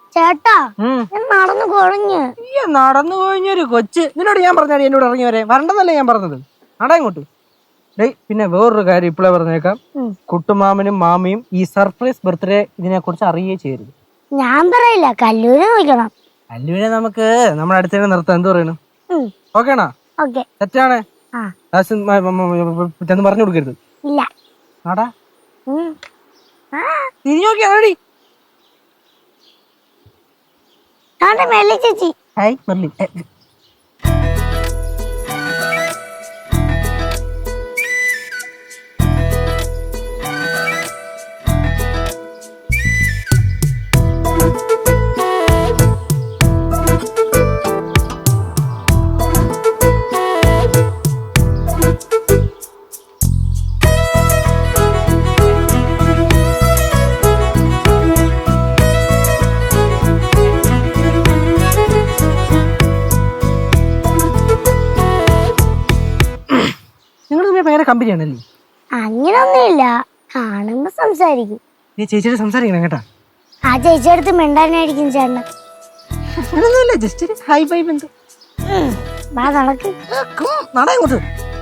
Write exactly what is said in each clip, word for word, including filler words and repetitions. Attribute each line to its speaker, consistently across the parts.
Speaker 1: ചേട്ടാ നടന്നു കൊഴഞ്ഞ്
Speaker 2: ഈ നടന്നു കൊഴിഞ്ഞൊരു കൊച്ച് നിന്നോട് ഞാൻ പറഞ്ഞാടി എന്നോട് ഇറങ്ങി വരെ വരണ്ടെന്നല്ലേ ഞാൻ പറഞ്ഞത്. നട ഇങ്ങോട്ട്. ഡേയ് പിന്നെ വേറൊരു കാര്യം ഇപ്പോഴേ പറഞ്ഞേക്കാം, കുട്ടുമാമനും മാമിയും ഈ സർപ്രൈസ് ബർത്ത്ഡേ ഇതിനെ കുറിച്ച് അറിയേ ചെയ്യരുത്.
Speaker 1: ഞാൻ പറയില്ല, കല്ലൂരെ നോക്കണം.
Speaker 2: കല്ലൂരെ നമുക്ക് നമ്മുടെ അടുത്തേക്ക് നിർത്താം. എന്ത് പറയണു? ഓക്കേണാ? തെറ്റാണ് ചെന്ന് പറഞ്ഞു കൊടുക്കരുത്.
Speaker 1: ഇല്ല
Speaker 2: ആടാ തിരിഞ്ഞു നോക്കിയാടി.
Speaker 1: ചേച്ചി
Speaker 2: ഹായ് മെർലി. കമ്പനിയാണല്ലേ?
Speaker 1: അങ്ങനൊന്നുമില്ല, കാണുമ്പോ സംസാരിക്കും.
Speaker 2: നീ ചേച്ചിയോട് സംസാരിക്കണം കേട്ടാ.
Speaker 1: ആ ചേച്ചിയുടെ അടുത്ത് മിണ്ടാനായിരിക്കും ചേട്ടൻ.
Speaker 2: ജസ്റ്റ് ഹൈ ബൈ ബന്ധു.
Speaker 1: നടക്ക്
Speaker 2: നടങ്ങോട്ട്.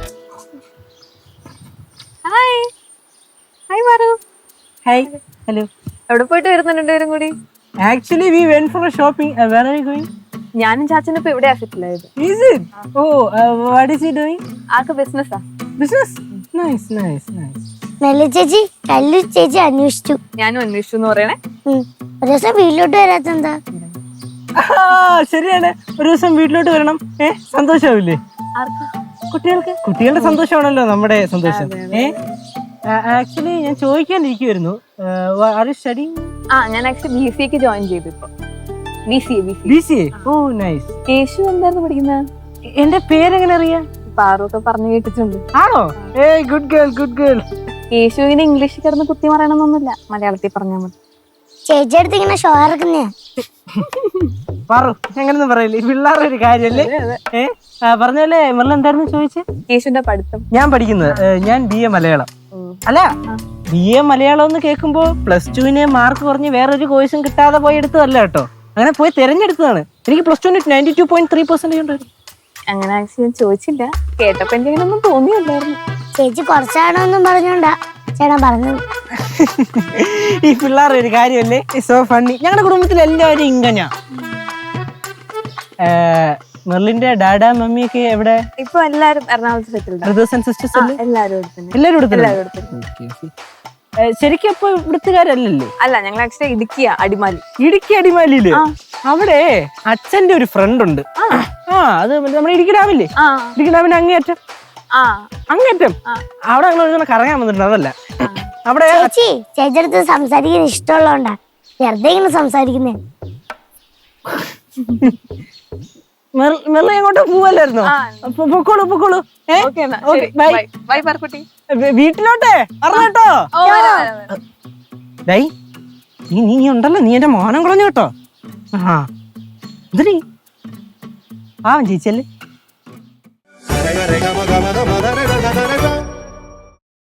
Speaker 3: ഹായ് ഹായ് മാറു.
Speaker 2: Hi hello.
Speaker 3: എവിടെ പോയിട്ട് വരുന്നുണ്ട് രണ്ടുപേരും കൂടി?
Speaker 2: Actually we went for shopping. Where are you going?
Speaker 3: ഞാനും ചാച്ചനും ഇപ്പൊ എവിടെയാ സെറ്റിൽ ആയത്.
Speaker 2: Is it? Oh what is he doing?
Speaker 3: ആൾക്ക് ബിസിനസ്സാ.
Speaker 2: Business? Nice nice nice.
Speaker 1: Melli ചേച്ചി കല്ലു ചേച്ചി അന്വേഷിച്ചു.
Speaker 3: ഞാനും അന്വേഷിച്ചു എന്ന് പറയണേ.
Speaker 1: ഒരു ദിവസം വീട്ടിലോട്ട് വരാത്തെന്താ?
Speaker 2: ശരിയാണ്, ഒരു ദിവസം വീട്ടിലോട്ട് വരണം. ഏ സന്തോഷാവില്ലേ കുട്ടികൾക്ക്? കുട്ടികളുടെ സന്തോഷമാണല്ലോ നമ്മുടെ സന്തോഷം. ഏ ആക്ച്വലി ഞാൻ ചോദിക്കാനിരിക്കുവായിരുന്നു, ആർ യു സ്റ്റഡിങ്?
Speaker 3: ആ ഞാൻ ആക്ച്വലി ബി സി എക്ക് ജോയിൻ ചെയ്തു. ഇപ്പൊ B C A.
Speaker 2: B C A. Oh nice.
Speaker 3: Yesu എന്തായിരുന്നു പഠിക്കുന്നത്?
Speaker 2: എന്റെ പേരെങ്ങനെ അറിയാ?
Speaker 3: പാറൊക്കെ പറഞ്ഞു കേട്ടിട്ടുണ്ട്.
Speaker 2: ആണോ? ഏ ഗുഡ് ഗേൾ ഗുഡ് ഗേൾ.
Speaker 3: യേശുവിന് ഇംഗ്ലീഷിൽ കിടന്ന് കുത്തി പറയണമെന്നൊന്നുമില്ല, മലയാളത്തിൽ പറഞ്ഞാൽ മതി.
Speaker 1: ചേച്ചി അടുത്ത് ഇങ്ങനെ ഷോ ഇറക്കുന്നേ
Speaker 2: പറു. അങ്ങനൊന്നും പറയില്ലേ, പിള്ളേരുടെ ഒരു കാര്യല്ലേ. ഏ പറഞ്ഞല്ലേ മെർല എന്തായിരുന്നു ചോദിച്ചേ?
Speaker 3: യേശുവിന്റെ പഠിത്തം.
Speaker 2: ഞാൻ പഠിക്കുന്നത് ഞാൻ ബി എ മലയാളം. അല്ല, ബി എ മലയാളം എന്ന് കേൾക്കുമ്പോ പ്ലസ് ടുവിന് മാർക്ക് കുറഞ്ഞ് വേറൊരു കോഴ്സും കിട്ടാതെ പോയി എടുത്തതല്ല കേട്ടോ. അങ്ങനെ പോയി തിരഞ്ഞെടുത്തതാണ്. എനിക്ക് പ്ലസ് ടുവിന് ninety two point three percentage ഉണ്ടായിരുന്നു.
Speaker 3: അങ്ങനെ ആക്ച്വലി ഞാൻ ചോദിച്ചില്ല, കേട്ടപ്പോ എനിക്ക് അങ്ങനെയൊന്നും തോന്നിയില്ലായിരുന്നു.
Speaker 1: ചേച്ചി കുറച്ചാണോന്നും പറഞ്ഞോണ്ടാ ചേട്ടാ പറഞ്ഞത്.
Speaker 2: ഈ പിള്ളേരുടെ ഒരു കാര്യമല്ലേ, സോ ഫണ്ണി. ഞങ്ങളുടെ കുടുംബത്തിൽ എല്ലാവരും ഇങ്ങനെയാ. മെർലിന്റെ ഡാഡാ മമ്മിയൊക്കെ എവിടെ?
Speaker 3: ഇപ്പൊ എല്ലാരും എറണാകുളത്ത് സെറ്റിൽഡ്.
Speaker 2: ബ്രദേഴ്സ് ആൻഡ് സിസ്റ്റേഴ്സ് അല്ലേ?
Speaker 3: എല്ലാരും
Speaker 2: എല്ലാവരും. ശരിക്കും അപ്പൊ ഇവിടുത്തുകാരല്ലല്ലോ?
Speaker 3: അല്ല, ഞങ്ങൾ ആക്ച്വലി ഇടുക്കിയാ, അടിമാലി.
Speaker 2: ഇടുക്കി അടിമാലിയില് അവിടെ അച്ഛന്റെ ഒരു ഫ്രണ്ട് ഉണ്ട്. ആ അത് നമ്മുടെ ഇടുക്കി ഡാമില്ലേ? ഇടുക്കി ഡാമിന്റെ അങ്ങേയറ്റം. അങ്ങേറ്റം അവിടെ ഞങ്ങൾ കറങ്ങാൻ വന്നിട്ടുണ്ട്. അതല്ല അവിടെ
Speaker 1: ചേച്ചി ചേച്ചിയുടെ അടുത്ത് സംസാരിക്കാൻ ഇഷ്ടമുള്ളതുകൊണ്ടാ വെറുതെ ഇങ്ങനെ സംസാരിക്കുന്നേ.
Speaker 2: മെർല എങ്ങോട്ടോ പോവല്ലായിരുന്നോ? പൊക്കോളൂ പൊക്കോളൂ. വീട്ടിലോട്ടെ അറിഞ്ഞോ? ഡൈ നീ നീ ഉണ്ടല്ലോ, നീ എന്റെ മോനം കളഞ്ഞു കേട്ടോ. ആ എന്തിനീ പാവം ചേച്ചിയല്ലേ.